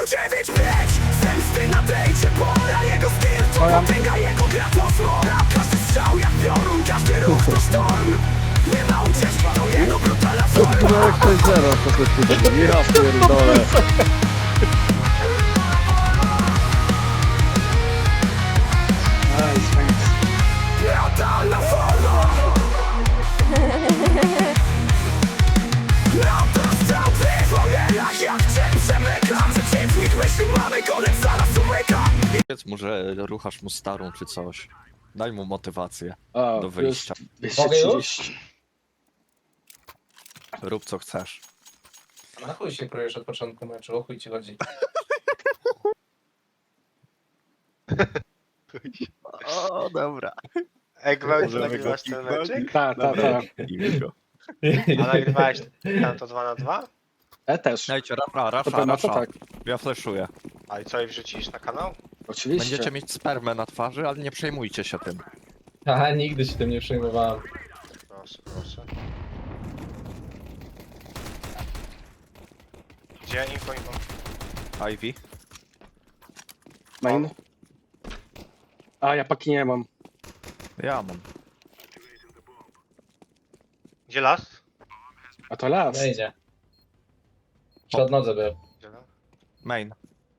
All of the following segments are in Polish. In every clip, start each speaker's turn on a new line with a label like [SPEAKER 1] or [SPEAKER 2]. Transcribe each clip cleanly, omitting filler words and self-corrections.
[SPEAKER 1] 9-5 zemsty nadejdzie pora. Jego styl to potęga, jego gra to zmora. Każdy strzał jak piorun, każdy ruch to sztorm. Nie ma ucieczki, to jego brutalna forma.
[SPEAKER 2] No jak 6-0 po prostu. Ja pierdolę.
[SPEAKER 1] Brutalna forma. Autostrzał w wojenach, jak cień przemykam. Przeciwnik myśli, mamy koniec, zaraz umyka.
[SPEAKER 3] Powiedz mu, że ruchasz mu starą czy coś. Daj mu motywację
[SPEAKER 2] A,
[SPEAKER 3] do wyjścia.
[SPEAKER 2] plus
[SPEAKER 4] Mogę już?
[SPEAKER 2] 230.
[SPEAKER 3] Rób co chcesz.
[SPEAKER 4] Na chuj się krujesz od początku meczu, o chuj ci chodzi.
[SPEAKER 3] O, dobra.
[SPEAKER 5] Ej, Gwałt,
[SPEAKER 3] Możemy
[SPEAKER 5] nagrywasz
[SPEAKER 3] go
[SPEAKER 5] ten
[SPEAKER 3] kiknąć?
[SPEAKER 5] meczek?
[SPEAKER 2] Tak, tak, tak.
[SPEAKER 5] A nagrywałeś tam to 2 na 2?
[SPEAKER 2] Ja też.
[SPEAKER 3] Dajcie,
[SPEAKER 2] To
[SPEAKER 3] rasza,
[SPEAKER 2] pewno to tak.
[SPEAKER 3] Ja flashuję.
[SPEAKER 5] A i co, i wrzucisz na kanał?
[SPEAKER 2] Oczywiście.
[SPEAKER 3] Będziecie mieć spermę na twarzy, ale nie przejmujcie się tym.
[SPEAKER 4] Aha, nigdy się tym nie przejmowałem.
[SPEAKER 5] Proszę, proszę. Gdzie info?
[SPEAKER 3] Ivy?
[SPEAKER 2] Main. A, ja paki nie mam.
[SPEAKER 3] Ja mam.
[SPEAKER 5] Gdzie las?
[SPEAKER 2] A to las.
[SPEAKER 4] Wejdzie. Przed nodze był.
[SPEAKER 5] Gdzie las?
[SPEAKER 3] Main.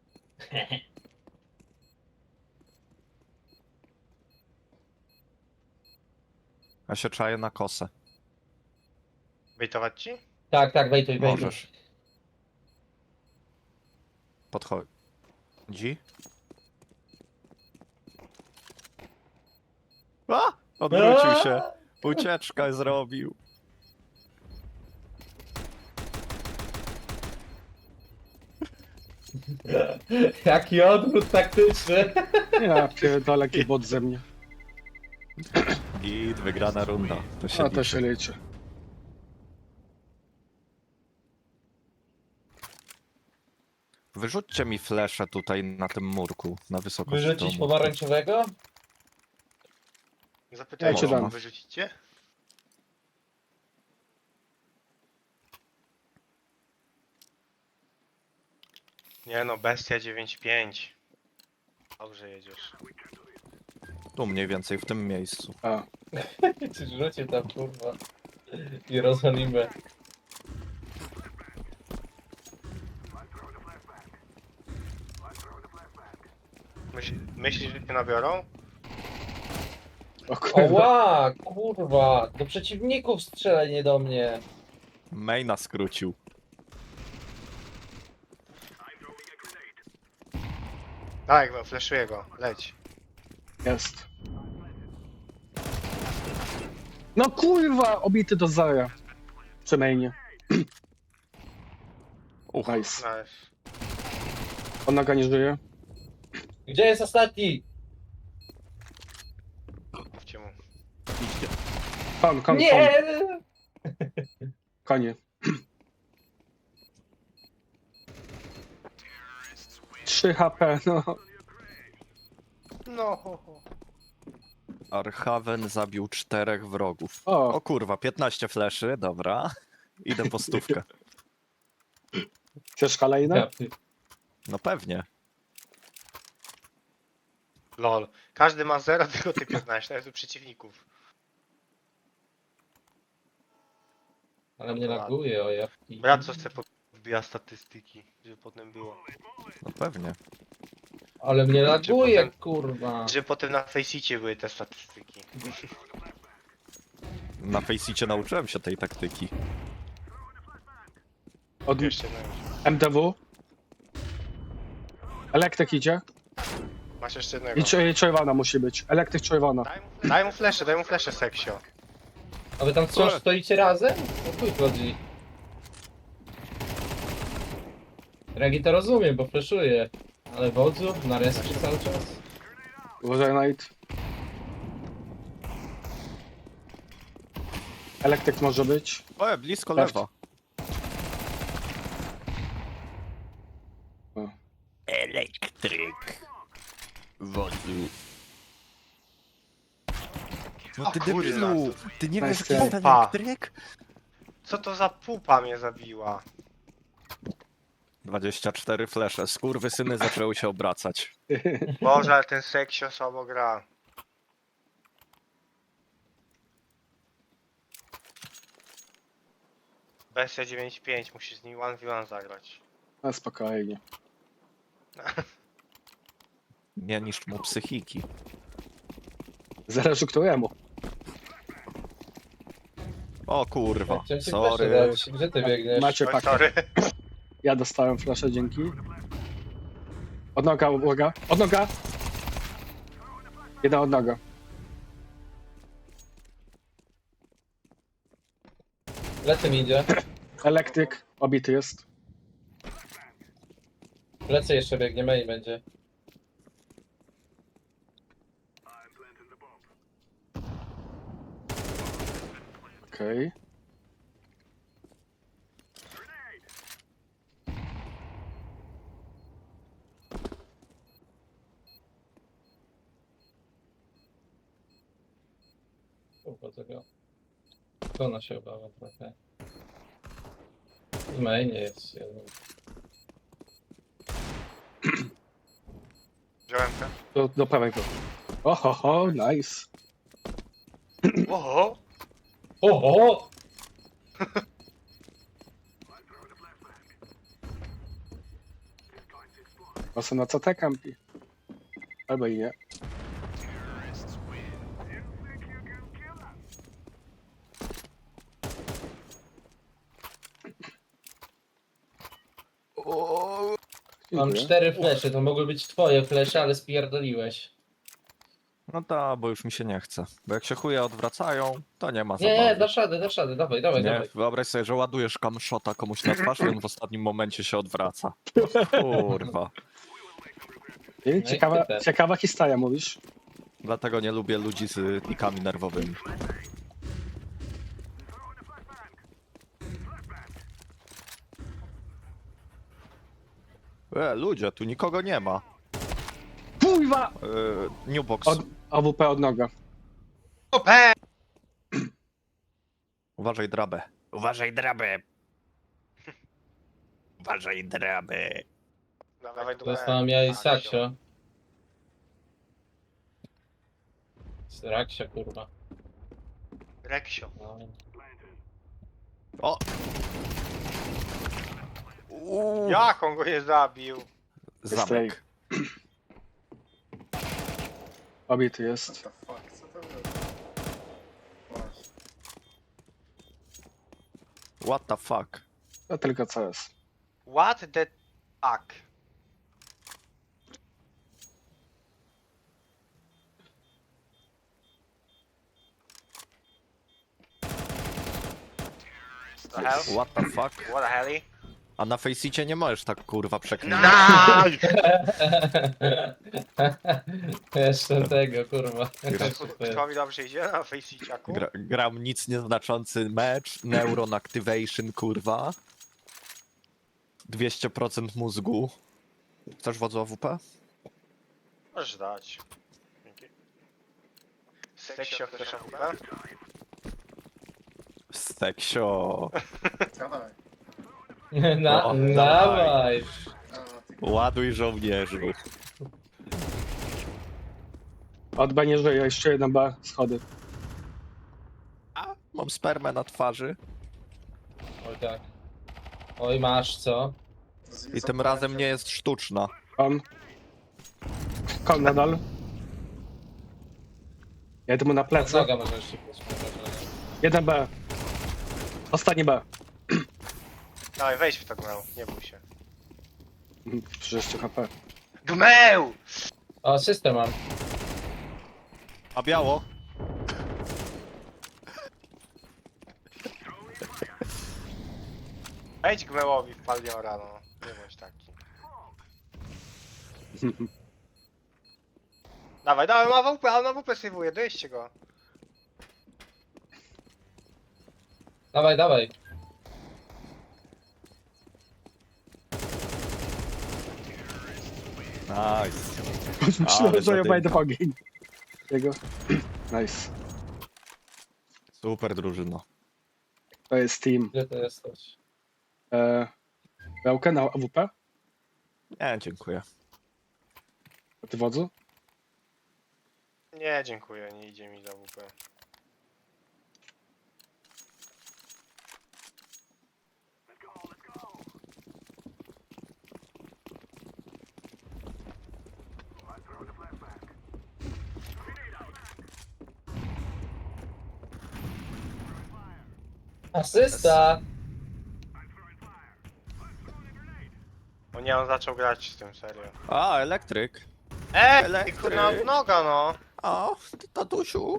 [SPEAKER 3] Ja się czaję na kosę.
[SPEAKER 5] Bejtować ci?
[SPEAKER 4] Tak, tak, wejtuj, wejtuj.
[SPEAKER 3] Możesz. Podchodź. Dzi? A! Odwrócił się. Ucieczkę zrobił.
[SPEAKER 4] Jaki odwrót taktyczny.
[SPEAKER 2] Ja pierdolę, jaki bot ze mnie.
[SPEAKER 3] Git, wygrana runda. To się
[SPEAKER 2] A to
[SPEAKER 3] liczy.
[SPEAKER 2] się liczy.
[SPEAKER 3] Wyrzućcie mi flesze tutaj na tym murku, na wysokość
[SPEAKER 4] Wyrzucić
[SPEAKER 3] domu.
[SPEAKER 4] pomarańczowego?
[SPEAKER 5] Zapytaj,
[SPEAKER 2] Ja cię
[SPEAKER 5] czy
[SPEAKER 2] dam.
[SPEAKER 5] wyrzucicie? Nie no, bestia 9-5. Dobrze jedziesz.
[SPEAKER 3] Tu mniej więcej, w tym miejscu.
[SPEAKER 2] A,
[SPEAKER 4] Czy rzucił tam, kurwa. I rozwalimy.
[SPEAKER 5] Myślisz, że cię nabiorą?
[SPEAKER 2] o kurwa.
[SPEAKER 4] Oła, kurwa. Do przeciwników strzelaj, nie do mnie.
[SPEAKER 3] Maina skrócił.
[SPEAKER 5] Tak, no, flashuję go. Leć.
[SPEAKER 2] Jest. No kurwa, obity do zera. Przy mainie. Nice.
[SPEAKER 5] Nice.
[SPEAKER 2] On naga nie żyje.
[SPEAKER 4] Gdzie jest ostatni?
[SPEAKER 5] Mówcie mu.
[SPEAKER 2] Kon.
[SPEAKER 4] Nie!
[SPEAKER 2] Konie. 3 HP, no.
[SPEAKER 5] No, ho, ho.
[SPEAKER 3] Archaven zabił 4 wrogów.
[SPEAKER 2] O,
[SPEAKER 3] O kurwa, 15 fleszy, dobra. Idę po stówkę.
[SPEAKER 2] chcesz kolejne?
[SPEAKER 3] No pewnie.
[SPEAKER 5] Lol. Każdy ma 0, tylko ty 15, nawet u przeciwników.
[SPEAKER 4] Ale mnie laguje, o jawki.
[SPEAKER 5] Brat, co chce wbija statystyki, żeby potem było.
[SPEAKER 3] No pewnie.
[SPEAKER 4] Ale mnie laguje,
[SPEAKER 5] potem-
[SPEAKER 4] kurwa.
[SPEAKER 5] Żeby potem na Faceicie były te statystyki.
[SPEAKER 3] Na Faceicie nauczyłem się tej taktyki.
[SPEAKER 2] Od
[SPEAKER 5] Jeszcze no.
[SPEAKER 2] MDW. Elektryk idzie.
[SPEAKER 5] Masz jeszcze jednego.
[SPEAKER 2] I czerwona musi być. Elektryk czerwona.
[SPEAKER 5] Daj mu flesze, seksio.
[SPEAKER 4] A wy tam wciąż stoicie razem? O chuj chodzi. Regi to rozumiem, bo fleszuje. Ale wodzu, na respie cały czas.
[SPEAKER 2] Uważaj, Knight. Elektryk może być.
[SPEAKER 3] O, blisko
[SPEAKER 2] Left.
[SPEAKER 3] lewa.
[SPEAKER 2] O.
[SPEAKER 3] Elektryk. Wodzu. No
[SPEAKER 5] O
[SPEAKER 3] ty
[SPEAKER 5] kurwa,
[SPEAKER 3] debilu! Ty nie wiesz,
[SPEAKER 2] Nice
[SPEAKER 3] jaki jest
[SPEAKER 5] try.
[SPEAKER 3] elektryk?
[SPEAKER 5] Co to za pupa mnie zabiła?
[SPEAKER 3] 24 flesze. Skurwysyny zaczęły się obracać.
[SPEAKER 5] Boże, ale ten seksio słabo gra. Bestia 9.5, musisz z nim 1v1 zagrać.
[SPEAKER 2] No spokojnie.
[SPEAKER 3] Nie niszcz mu psychiki.
[SPEAKER 2] Zależy któremu.
[SPEAKER 3] O kurwa,
[SPEAKER 4] Chciałem ci
[SPEAKER 3] sorry.
[SPEAKER 4] flesze dać. Gdzie ty biegniesz?
[SPEAKER 2] Macie
[SPEAKER 5] Oj,
[SPEAKER 2] pakę.
[SPEAKER 5] sorry.
[SPEAKER 2] Ja dostałem flaszę, dzięki. Odnoga, uwaga. Odnoga! Jedna odnoga.
[SPEAKER 4] Lecę mi idzie.
[SPEAKER 2] Elektryk, obity jest.
[SPEAKER 4] Lecę jeszcze biegnie, main będzie.
[SPEAKER 2] Okej.
[SPEAKER 4] Kurwa tego. Ona się obawia trochę. W mainie jest jeden.
[SPEAKER 5] Wziąłem ten.
[SPEAKER 2] Do prawego. Oho, nice.
[SPEAKER 5] Oho!
[SPEAKER 4] Oho!
[SPEAKER 2] Mocno na CT kampi. Albo i nie.
[SPEAKER 4] Mam
[SPEAKER 2] Dziękuję.
[SPEAKER 4] 4 flesze, to mogły być twoje flesze, ale spierdoliłeś.
[SPEAKER 3] No ta, bo już mi się nie chce. Bo jak się chuje odwracają, to nie ma
[SPEAKER 4] Nie,
[SPEAKER 3] zabawy.
[SPEAKER 4] dasz radę, dawaj, dawaj,
[SPEAKER 3] Nie,
[SPEAKER 4] dawaj.
[SPEAKER 3] wyobraź sobie, że ładujesz kamshota komuś na twarz i on w ostatnim momencie się odwraca. Kurwa.
[SPEAKER 2] I
[SPEAKER 4] No i ty.
[SPEAKER 2] ciekawa historia, mówisz?
[SPEAKER 3] Dlatego nie lubię ludzi z nikami nerwowymi. Ludzie, tu nikogo nie ma.
[SPEAKER 2] Kurwa!
[SPEAKER 3] Newbox,
[SPEAKER 2] AWP odnoga.
[SPEAKER 5] Ope!
[SPEAKER 3] uważaj drabę. Uważaj drabę. Uważaj drabę.
[SPEAKER 5] Dawaj do
[SPEAKER 4] Dostałem ja i Saksio. Raksia, kurwa.
[SPEAKER 5] Reksio.
[SPEAKER 4] No.
[SPEAKER 3] O!
[SPEAKER 5] Jak on go nie zabił?
[SPEAKER 3] Zamek.
[SPEAKER 2] Obity jest.
[SPEAKER 3] What the fuck?
[SPEAKER 2] To tylko CS.
[SPEAKER 5] What the fuck? The hell?
[SPEAKER 3] What the fuck?
[SPEAKER 5] What the hell?
[SPEAKER 3] A na Faceicie nie możesz tak kurwa przeklinać.
[SPEAKER 5] Nice!
[SPEAKER 4] Jeszcze tego, kurwa.
[SPEAKER 5] Kto dobrze idzie na Faceciaku?
[SPEAKER 3] Gram nic nieznaczący mecz, Neuron Activation, kurwa. 200% mózgu. Chcesz wodzu AWP?
[SPEAKER 5] Możesz dać. Dzięki. Seksio, chcesz AWP?
[SPEAKER 3] Seksio.
[SPEAKER 4] Na,
[SPEAKER 3] O,
[SPEAKER 4] dawaj.
[SPEAKER 3] Ładuj żołnierzu.
[SPEAKER 2] Od B nie żyje, jeszcze jeden B, schody.
[SPEAKER 3] Mam spermę na twarzy.
[SPEAKER 4] Oj tak. Oj masz co?
[SPEAKER 3] I tym razem nie jest sztuczna.
[SPEAKER 2] Kon nadal. Jedę mu na plecy.
[SPEAKER 4] Noga może jeszcze być.
[SPEAKER 2] Jeden B. Ostatni B.
[SPEAKER 5] Dawaj, wejdź w to gmeł, nie bój się.
[SPEAKER 2] Przecież jeszcze HP.
[SPEAKER 5] Gmeł!
[SPEAKER 4] O, system mam.
[SPEAKER 3] A biało?
[SPEAKER 5] Wejdź gmełowi w Paliora, no. Nie bądź taki. Dawaj, ma WP, ale na WP sejwuje, dojeźdźcie go.
[SPEAKER 4] Dawaj, dawaj.
[SPEAKER 3] Nice.
[SPEAKER 2] Myślałem, że ja
[SPEAKER 3] zadymka.
[SPEAKER 2] wejdę w ogień. Jego. Nice.
[SPEAKER 3] Super drużyno.
[SPEAKER 2] To jest team.
[SPEAKER 4] Gdzie to jesteś?
[SPEAKER 2] Białkę na AWP?
[SPEAKER 3] Nie, dziękuję.
[SPEAKER 2] A ty wodzu?
[SPEAKER 5] Nie, dziękuję, nie idzie mi za WP.
[SPEAKER 4] Asysta!
[SPEAKER 5] O nie, on zaczął grać z tym, serio.
[SPEAKER 3] A, elektryk.
[SPEAKER 5] Ty kurna noga no!
[SPEAKER 3] O, ty tatusiu.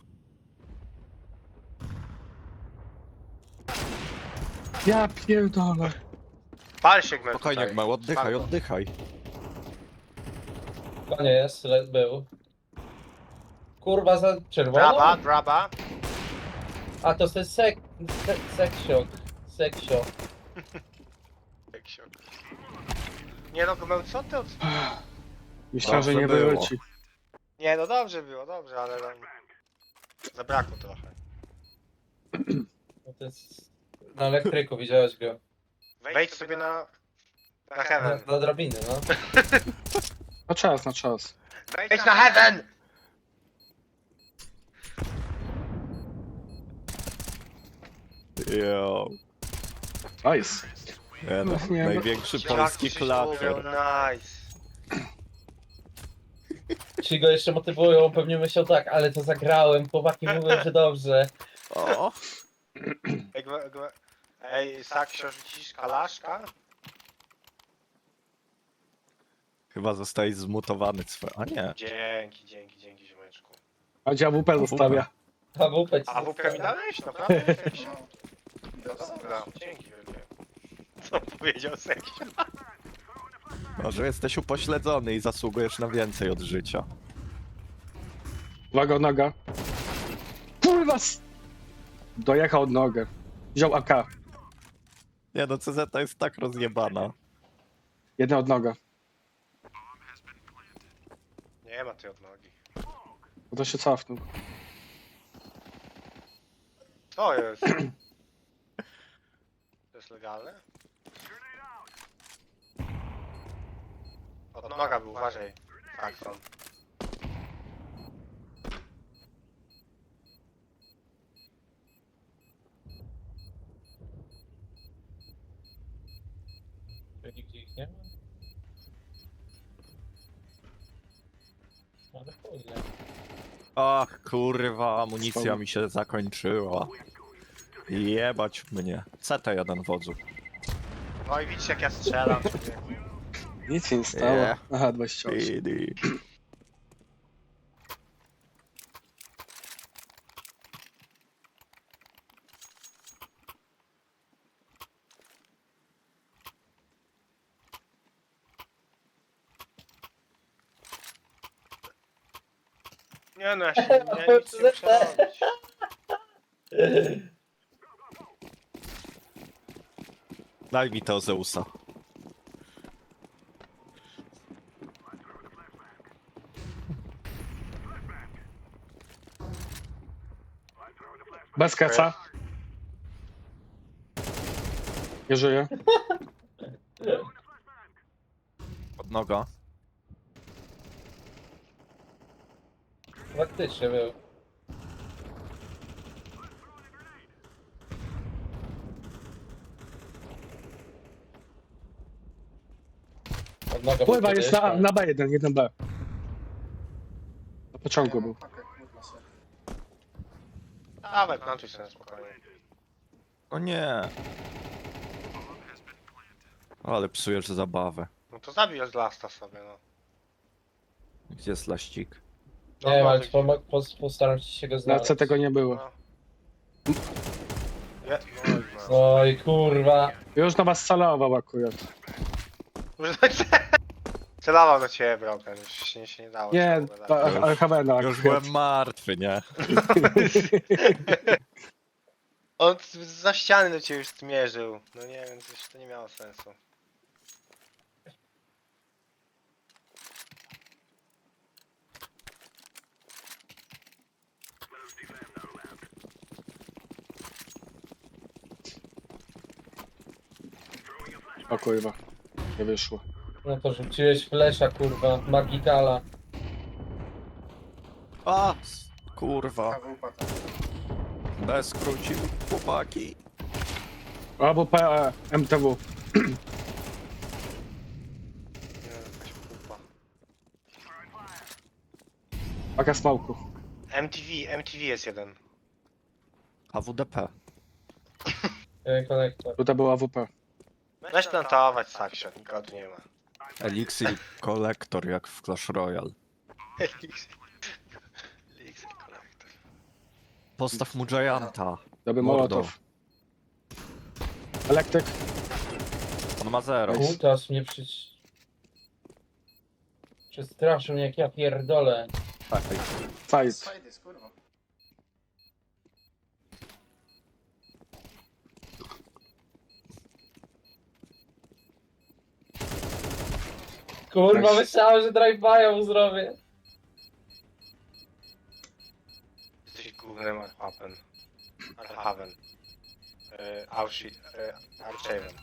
[SPEAKER 2] Ja pierdolę.
[SPEAKER 5] Pal się gmę
[SPEAKER 3] Spokojnie,
[SPEAKER 5] tutaj.
[SPEAKER 3] Gmał, oddychaj,
[SPEAKER 5] Spadło.
[SPEAKER 3] oddychaj.
[SPEAKER 4] To nie jest, był. Kurwa za czerwoną?
[SPEAKER 5] Braba, braba.
[SPEAKER 4] A to jest seksio. Seksio.
[SPEAKER 5] Teksio. Nie no, gmę, co ty od...
[SPEAKER 2] Myślałem, że
[SPEAKER 3] Dobrze
[SPEAKER 2] nie
[SPEAKER 3] było.
[SPEAKER 2] wyleci.
[SPEAKER 5] Nie no, dobrze było, dobrze, ale... Zabrakło trochę.
[SPEAKER 4] No to jest... Na elektryku, widziałeś go.
[SPEAKER 5] Wejdź sobie na
[SPEAKER 4] Na,
[SPEAKER 5] heaven.
[SPEAKER 4] na drabiny, no.
[SPEAKER 2] Na czas, na czas.
[SPEAKER 5] Wejdź na heaven!
[SPEAKER 3] Jo.
[SPEAKER 2] Nice.
[SPEAKER 3] Nie, no,
[SPEAKER 2] Nie, no.
[SPEAKER 3] największy polski
[SPEAKER 5] Jaki mówią,
[SPEAKER 3] klater.
[SPEAKER 5] nice.
[SPEAKER 4] Ci go jeszcze motywują, pewnie myślał tak, ale to zagrałem, chłopaki mówią, że dobrze.
[SPEAKER 3] O,
[SPEAKER 5] Ej, Saksio, rzucisz kalaszka?
[SPEAKER 3] chyba zostałeś zmutowany. A nie.
[SPEAKER 5] Dzięki, ziomeczku.
[SPEAKER 2] A gdzie AWP zostawia?
[SPEAKER 4] A WP
[SPEAKER 5] A WP mi dałeś? Naprawdę? No dobra, dzięki wielkie. Co powiedział Saksio?
[SPEAKER 3] Może jesteś upośledzony i zasługujesz na więcej od życia.
[SPEAKER 2] Uwaga, noga. Kurwa! Dojechał od nogę. Wziął AK.
[SPEAKER 3] Nie no, CZ jest tak rozjebana.
[SPEAKER 2] Jedna od noga.
[SPEAKER 5] Nie ma tej odnogi.
[SPEAKER 2] Bo to się cofnął.
[SPEAKER 5] Co jest? To jest legalne? Odnoga był, uważaj. Tak, są.
[SPEAKER 4] Nigdzie ich nie ma? Ale chuj,
[SPEAKER 3] Ach, kurwa, amunicja mi się zakończyła. Jebać mnie. CT1 wodzu.
[SPEAKER 5] No i widzisz jak ja strzelam.
[SPEAKER 2] Nic się nie stało.
[SPEAKER 3] Nie.
[SPEAKER 2] Aha, 28.
[SPEAKER 3] Pidi.
[SPEAKER 5] Nie no, ja się nic nie muszę robić.
[SPEAKER 3] Daj mi to Zeusa.
[SPEAKER 2] Bez keca. Nie żyje.
[SPEAKER 3] Od noga.
[SPEAKER 4] Faktycznie był. Odnoga
[SPEAKER 2] Pływa
[SPEAKER 4] był
[SPEAKER 2] jest
[SPEAKER 4] kiedyś,
[SPEAKER 2] na B1, 1B. Na pociągu był.
[SPEAKER 5] Dawaj, plantuj sobie spokojnie.
[SPEAKER 3] O nie. Ale psujesz zabawę.
[SPEAKER 5] No to zabij z lasta sobie, no.
[SPEAKER 3] Gdzie jest laścik?
[SPEAKER 4] Nie wiem, ale
[SPEAKER 5] może
[SPEAKER 4] postaram się go
[SPEAKER 2] Na
[SPEAKER 4] znaleźć.
[SPEAKER 2] C tego nie było.
[SPEAKER 5] No. No,
[SPEAKER 4] Oj kurwa.
[SPEAKER 2] Już na was celował akurat.
[SPEAKER 5] Celował do ciebie, broken, już się nie dało.
[SPEAKER 2] Nie,
[SPEAKER 5] się pogadać.
[SPEAKER 2] Alchavena.
[SPEAKER 3] Już byłem martwy, nie?
[SPEAKER 5] On za ściany do ciebie już zmierzył. No nie wiem, coś to nie miało sensu.
[SPEAKER 2] O kurwa. Nie wyszło.
[SPEAKER 4] No to rzuciłeś flesza, kurwa, magikala.
[SPEAKER 3] A! Kurwa.
[SPEAKER 5] AWP tam.
[SPEAKER 3] Bez skrócił, chłopaki.
[SPEAKER 2] Albo MTW.
[SPEAKER 5] Nie, jakaś pupa.
[SPEAKER 2] Paka smoku.
[SPEAKER 5] MTV jest jeden.
[SPEAKER 3] AWDP.
[SPEAKER 4] Konektor.
[SPEAKER 2] Tutaj był AWP.
[SPEAKER 5] Weź plantować Saksio, nikogo tu nie ma.
[SPEAKER 3] Elixir kolektor jak w Clash Royale.
[SPEAKER 5] Elixir Collector.
[SPEAKER 3] Postaw mu Gianta.
[SPEAKER 2] Dobry
[SPEAKER 3] Mordo.
[SPEAKER 2] Mołotow. Elektryk.
[SPEAKER 3] On ma 0.
[SPEAKER 4] Kutas mnie przestraszył mnie jak ja pierdolę.
[SPEAKER 2] Side.
[SPEAKER 5] Side jest, kurwa.
[SPEAKER 4] Kurwa,
[SPEAKER 2] Nice.
[SPEAKER 4] myślałem, że drive-by'a mu zrobię.
[SPEAKER 5] Jesteś głównym Arhaven. Arhaven. Auschwitz. Archaven.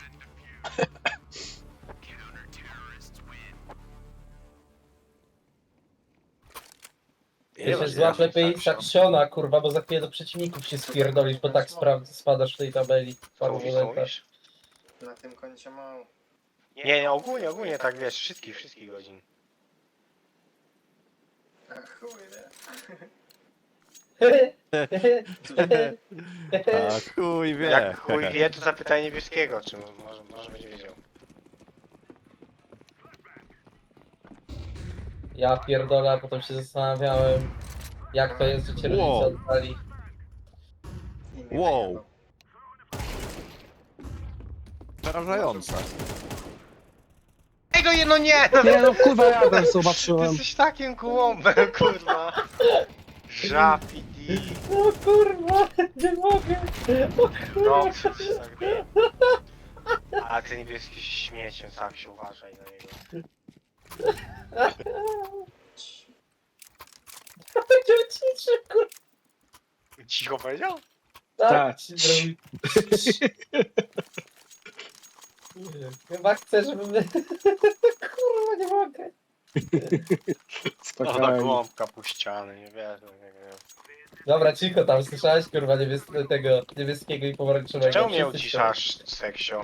[SPEAKER 4] Ty się złap lepiej Saksiona, kurwa, bo za chwilę do przeciwników się spierdolisz, bo tak spadasz w tej tabeli.
[SPEAKER 5] Co mówisz, co
[SPEAKER 4] Farmolenta.
[SPEAKER 5] mówisz?
[SPEAKER 6] Na tym koncie mało.
[SPEAKER 5] Nie, ogólnie tak wiesz, wszystkich godzin.
[SPEAKER 6] A chuj, nie?
[SPEAKER 3] A chuj wie.
[SPEAKER 5] Jak chuj wie, to zapytaj niebieskiego, czy może będzie wiedział.
[SPEAKER 4] Ja pierdolę, a potem się zastanawiałem, jak to jest, że cię rodzice
[SPEAKER 3] Wow.
[SPEAKER 4] oddali.
[SPEAKER 6] I mnie
[SPEAKER 3] Wow.
[SPEAKER 6] wyjebał.
[SPEAKER 3] Przerażające.
[SPEAKER 5] Ego no nie!
[SPEAKER 2] Nie no kurwa ja też
[SPEAKER 5] Ty
[SPEAKER 2] zobaczyłem.
[SPEAKER 5] jesteś takim kłąbem, kurwa. Żapidi.
[SPEAKER 4] O kurwa, nie mogę. O kurwa.
[SPEAKER 5] Dobrze, ci tak daje. A ty niebieski śmieciem, tak się uważaj na niego.
[SPEAKER 4] Będzie ciszy, kurwa.
[SPEAKER 5] Cicho powiedział?
[SPEAKER 2] Tak.
[SPEAKER 4] Tak, ci zrobi. Chyba chcę, żebym... Kurwa, nie mogę.
[SPEAKER 5] No ta
[SPEAKER 2] Spokojnie.
[SPEAKER 5] głąbka puściany, nie wiesz, nie wiem.
[SPEAKER 4] Dobra, cicho tam, słyszałeś kurwa tego niebieskiego i pomarańczowego.
[SPEAKER 5] Czemu mnie
[SPEAKER 4] Wszyscy
[SPEAKER 5] uciszasz, seksio?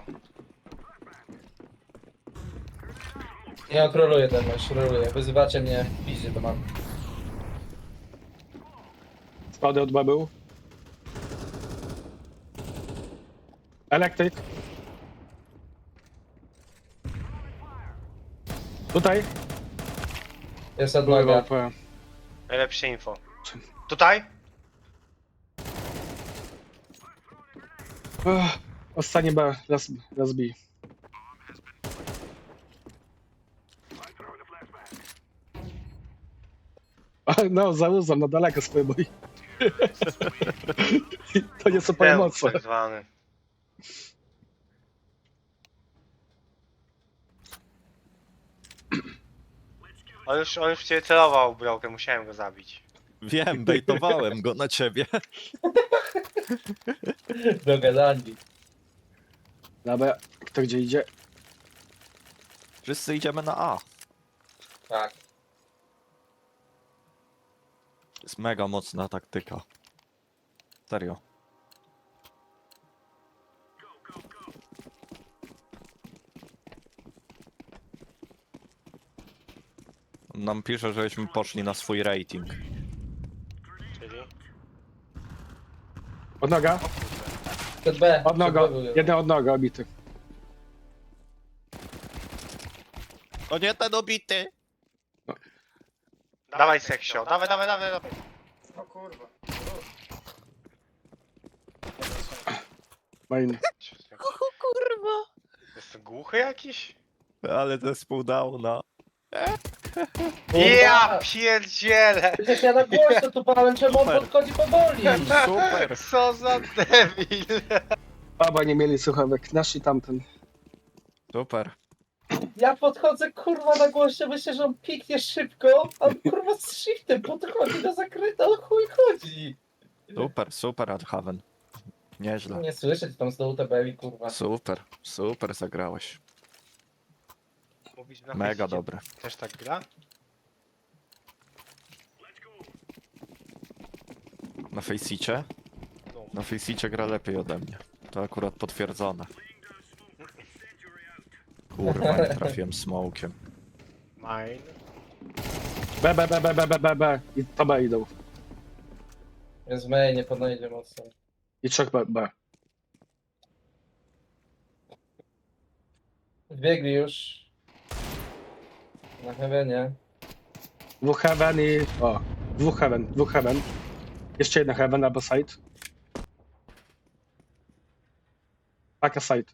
[SPEAKER 4] śpią. Nie, troluję ten mecz, troluję. Wyzywacie mnie w piździe, to mam.
[SPEAKER 2] Spady od B był. Elektryk. Tutaj.
[SPEAKER 4] Jest
[SPEAKER 2] Były
[SPEAKER 4] odnoga.
[SPEAKER 2] AWP.
[SPEAKER 5] Najlepsze info. Tutaj?
[SPEAKER 2] Ostatnie B. Raz B. No, zauzam na daleko swoje boi. To nie są pomocy.
[SPEAKER 5] Tak zwany. On już w ciebie celował, brokę, musiałem go zabić.
[SPEAKER 3] Wiem, bejtowałem go na ciebie.
[SPEAKER 4] Dogadani.
[SPEAKER 2] Dobra, kto gdzie idzie?
[SPEAKER 3] Wszyscy idziemy na A.
[SPEAKER 4] Tak.
[SPEAKER 3] To jest mega mocna taktyka. Serio. On nam pisze, żeśmy poszli na swój rating.
[SPEAKER 5] Czyli?
[SPEAKER 2] Odnoga?
[SPEAKER 4] Przed B.
[SPEAKER 2] Odnoga.
[SPEAKER 4] przed B był.
[SPEAKER 2] Jeden odnoga obity.
[SPEAKER 3] O nie, ten obity!
[SPEAKER 5] Dawaj seksio, dawaj.
[SPEAKER 6] O kurwa.
[SPEAKER 2] Main.
[SPEAKER 3] Kurwa!
[SPEAKER 5] Jest głuchy jakiś?
[SPEAKER 3] Ale zespół downa.
[SPEAKER 4] Kurwa.
[SPEAKER 5] Ja pierdzielę!
[SPEAKER 4] Przecież ja na głośno tu pałem, czemu on
[SPEAKER 3] Super.
[SPEAKER 4] podchodzi powoli?
[SPEAKER 3] Super!
[SPEAKER 5] Co za debil!
[SPEAKER 2] Oba nie mieli słuchawek. Nasz i tamten.
[SPEAKER 3] Super.
[SPEAKER 4] Ja podchodzę kurwa na głośno, myślę, że on piknie szybko, a on kurwa z shiftem podchodzi do zakryta, o chuj chodzi.
[SPEAKER 3] Super, Adhaven. Nieźle.
[SPEAKER 4] Nie słyszę, tam z dołu tabeli kurwa.
[SPEAKER 3] Super zagrałeś.
[SPEAKER 5] Mówisz na
[SPEAKER 3] Mega
[SPEAKER 5] Faceicie
[SPEAKER 3] dobre.
[SPEAKER 5] też tak gra?
[SPEAKER 3] Na Faceicie?
[SPEAKER 5] No.
[SPEAKER 3] Na Faceicie gra lepiej ode mnie. To akurat potwierdzone. Kurwa, nie trafiłem smokiem.
[SPEAKER 5] Mine.
[SPEAKER 2] B. I to B idą.
[SPEAKER 4] Jest main, nie podejdzie mocno.
[SPEAKER 2] I 3 B.
[SPEAKER 4] Wbiegli już. Na heavenie.
[SPEAKER 2] Dwóch heaven i... O. Dwóch heaven. Jeszcze jedna heaven albo side. Taka side.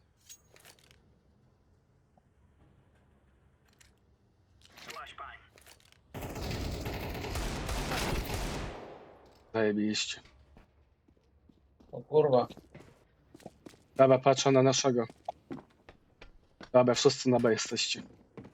[SPEAKER 2] Zajebiście.
[SPEAKER 4] O kurwa.
[SPEAKER 2] Dobra, patrzę na naszego. Dobra, wszyscy na B jesteście.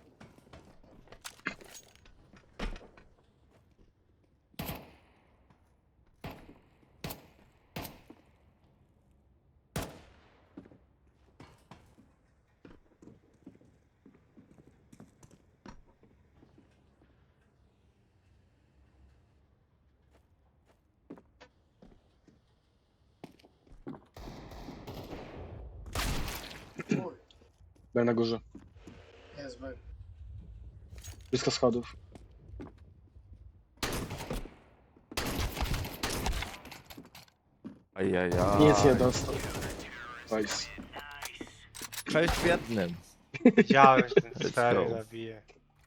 [SPEAKER 6] Uj,
[SPEAKER 2] B na górze.
[SPEAKER 6] jest B.
[SPEAKER 2] Blisko schodów.
[SPEAKER 3] Ajajaj.
[SPEAKER 2] Nic nie dostał. Nice.
[SPEAKER 3] 6 w jednym.
[SPEAKER 5] Wiedziałem, że ten
[SPEAKER 3] Let's
[SPEAKER 5] stary
[SPEAKER 3] go.
[SPEAKER 5] zabije.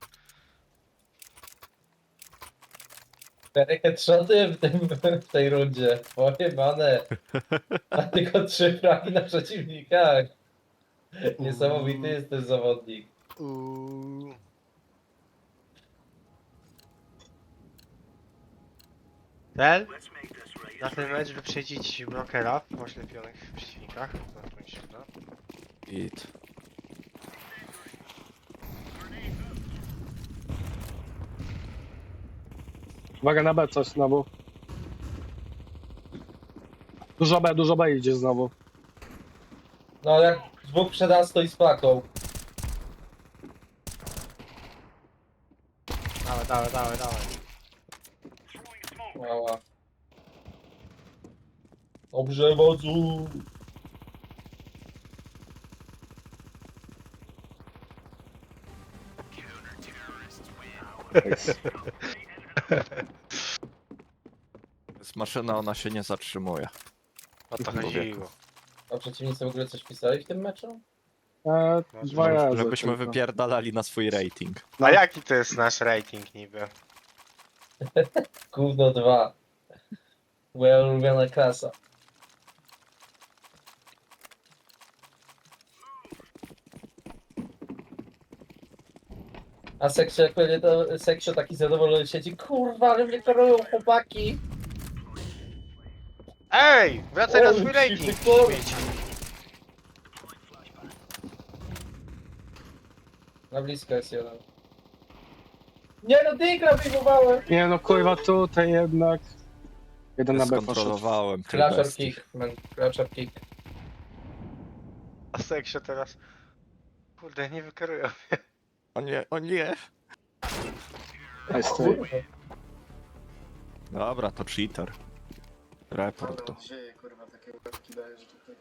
[SPEAKER 4] 4 headshoty w tej rundzie. Pojebane. A tylko 3 fragi na przeciwnikach. Niesamowity jest ten zawodnik.
[SPEAKER 5] Ten? Na ten mecz wyprzedzić brokera w oślepionych przeciwnikach. Na to mi się uda.
[SPEAKER 3] Git.
[SPEAKER 2] Uwaga na B coś znowu. Dużo B idzie znowu.
[SPEAKER 4] No jak dwóch przed A stoi z paką.
[SPEAKER 5] Dawaj.
[SPEAKER 4] Mała. Dobrze, wodzu.
[SPEAKER 3] To jest maszyna, ona się nie zatrzymuje.
[SPEAKER 5] O to
[SPEAKER 3] Człowieku.
[SPEAKER 5] chodziło.
[SPEAKER 4] A przeciwnicy w ogóle coś pisali w tym meczu?
[SPEAKER 2] Dwa razy.
[SPEAKER 3] Żebyśmy
[SPEAKER 2] tylko.
[SPEAKER 3] wypierdalali na swój rating.
[SPEAKER 5] A jaki to jest nasz rating niby?
[SPEAKER 4] Gówno 2. Moja ulubiona klasa. A Seksio, jak będzie to Seksio taki zadowolony siedzi, kurwa, ale mnie korują chłopaki.
[SPEAKER 5] Ej! Wracaj na
[SPEAKER 4] Oj,
[SPEAKER 5] swój rating!
[SPEAKER 4] ty kur-
[SPEAKER 5] śmieci.
[SPEAKER 4] Na blisko jest jeden. Nie no, dygra wyjmowałem!
[SPEAKER 2] Nie no kurwa tutaj jednak. Jeden na B poszedł.
[SPEAKER 3] Skontrolowałem tych
[SPEAKER 4] Flasher
[SPEAKER 3] bestii.
[SPEAKER 4] kick, man, flasher kick.
[SPEAKER 5] A Seksio teraz... Kurde, nie wykarują.
[SPEAKER 3] O nie, o nie.
[SPEAKER 2] Nice, ty.
[SPEAKER 4] Kurwa.
[SPEAKER 3] Dobra, to cheater. Report
[SPEAKER 6] Ale
[SPEAKER 3] to.
[SPEAKER 6] on dzieje, kurwa, takie łebki dajesz tutaj.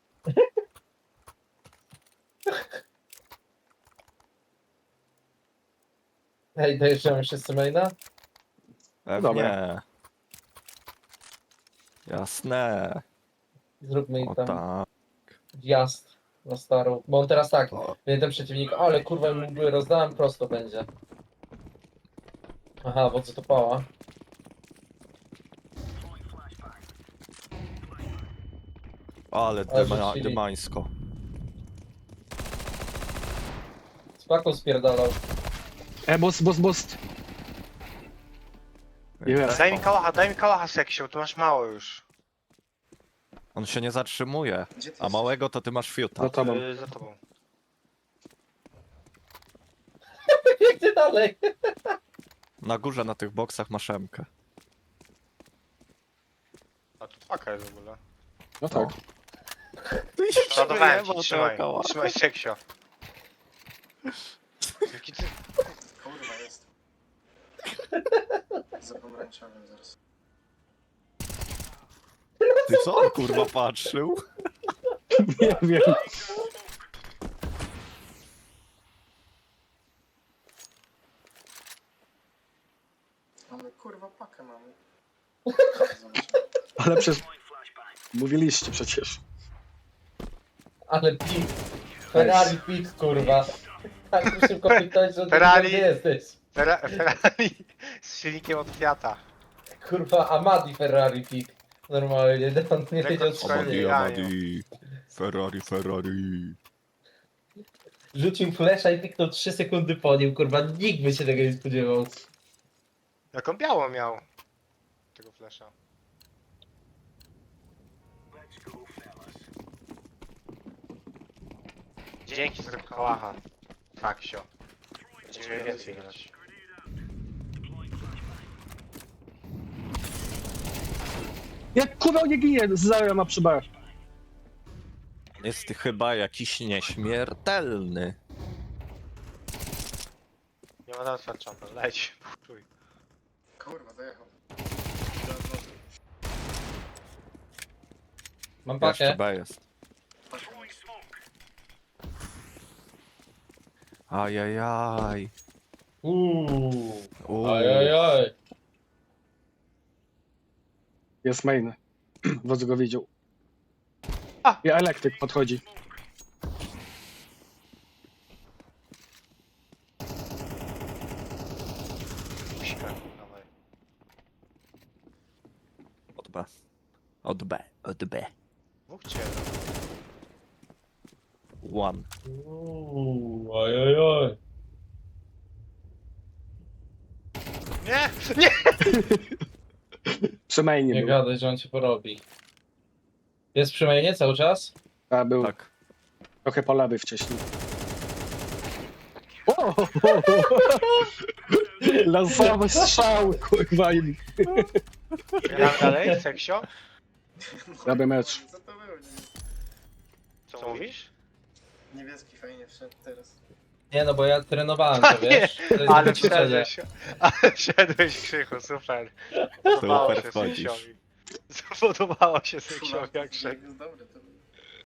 [SPEAKER 4] Ej, dojeżdżamy wszyscy maina?
[SPEAKER 3] Pewnie.
[SPEAKER 2] Dobra.
[SPEAKER 3] Jasne.
[SPEAKER 4] Zróbmy im
[SPEAKER 3] O
[SPEAKER 4] tam
[SPEAKER 3] tak.
[SPEAKER 4] wjazd na starą. Bo on teraz tak,
[SPEAKER 3] O.
[SPEAKER 4] jeden przeciwnik, ale kurwa mu mgły rozdałem, prosto będzie. Aha, bo co to pała?
[SPEAKER 3] Ale
[SPEAKER 4] Ale rzucili.
[SPEAKER 3] dymańsko.
[SPEAKER 4] Z paką spierdalał.
[SPEAKER 2] Boost. Jest.
[SPEAKER 5] Daj mi kałacha Seksio, tu masz mało już.
[SPEAKER 3] On się nie zatrzymuje.
[SPEAKER 6] Gdzie ty
[SPEAKER 3] A
[SPEAKER 6] jesteś?
[SPEAKER 3] małego to ty masz fiuta.
[SPEAKER 2] Za tobą.
[SPEAKER 5] Za tobą.
[SPEAKER 4] Biegnie dalej.
[SPEAKER 3] Na górze na tych boksach masz Mkę.
[SPEAKER 5] A tu paka jest w ogóle.
[SPEAKER 2] No tak.
[SPEAKER 5] Ładowałem ci, trzymaj. Trzymaj Seksio. Jaki ty...
[SPEAKER 6] Kurwa, jest. Za pomarańczowym zaraz.
[SPEAKER 3] Ty co on kurwa patrzył?
[SPEAKER 2] Nie wiem.
[SPEAKER 6] Mamy kurwa pakę mamy.
[SPEAKER 2] Ale przez... Mówiliście przecież.
[SPEAKER 4] Ale pik. Ferrari pik, kurwa. Tak szybko piknąć, że ty
[SPEAKER 5] Ferrari.
[SPEAKER 4] gdzie jesteś.
[SPEAKER 5] Ferrari z silnikiem od Fiata.
[SPEAKER 4] Kurwa, Amadi Ferrari pik. Normalnie, on nie wiedział co się
[SPEAKER 5] Amadi,
[SPEAKER 4] dzieje.
[SPEAKER 5] Amadi.
[SPEAKER 3] Ferrari.
[SPEAKER 4] Rzucił flesza i piknął 3 sekundy po nim, kurwa. Nikt by się tego nie spodziewał.
[SPEAKER 5] Jaką białą miał? Tego flesza. Dzięki za kałacha. Faksio. Będziemy więcej grać.
[SPEAKER 2] Jak kurwa nie ginie, Zarya ma przy B.
[SPEAKER 3] Jest chyba jakiś nieśmiertelny.
[SPEAKER 5] Nie ma nas jumper, leć. Czuj.
[SPEAKER 6] Kurwa, dojechał.
[SPEAKER 4] Mam
[SPEAKER 3] Jeszcze
[SPEAKER 4] pakę.
[SPEAKER 3] B jest. Ajajaj. Uuu.
[SPEAKER 4] Ajajaj.
[SPEAKER 2] Jest main. Wodz go widział.
[SPEAKER 5] A!
[SPEAKER 2] I elektryk podchodzi.
[SPEAKER 5] Musika, dawaj.
[SPEAKER 3] Od B. Od B.
[SPEAKER 5] Dwóch cię.
[SPEAKER 3] One.
[SPEAKER 4] Ajajaj.
[SPEAKER 5] Nie! Nie!
[SPEAKER 2] Przy mainie
[SPEAKER 4] Nie
[SPEAKER 2] był.
[SPEAKER 4] gadaj, że on cię porobi. Jest przy mainie cały czas?
[SPEAKER 2] A, był
[SPEAKER 3] Tak.
[SPEAKER 2] trochę po lewej wcześniej. O! Lansowe strzały, kurwa. I
[SPEAKER 5] Gramy dalej, seksio?
[SPEAKER 2] robię mecz.
[SPEAKER 6] Co to było?
[SPEAKER 5] Co mówisz?
[SPEAKER 6] Niebieski fajnie wszedł teraz.
[SPEAKER 4] Nie no, bo ja trenowałem to, wiesz? To jest
[SPEAKER 5] Ale
[SPEAKER 4] ćwiczenie.
[SPEAKER 5] wszedłeś, ale wszedłeś Krzychu, super. Podobało się
[SPEAKER 3] Super wchodzisz.
[SPEAKER 5] seksiowi. Podobało się seksiowi jak szedł.
[SPEAKER 6] Jest dobry to był.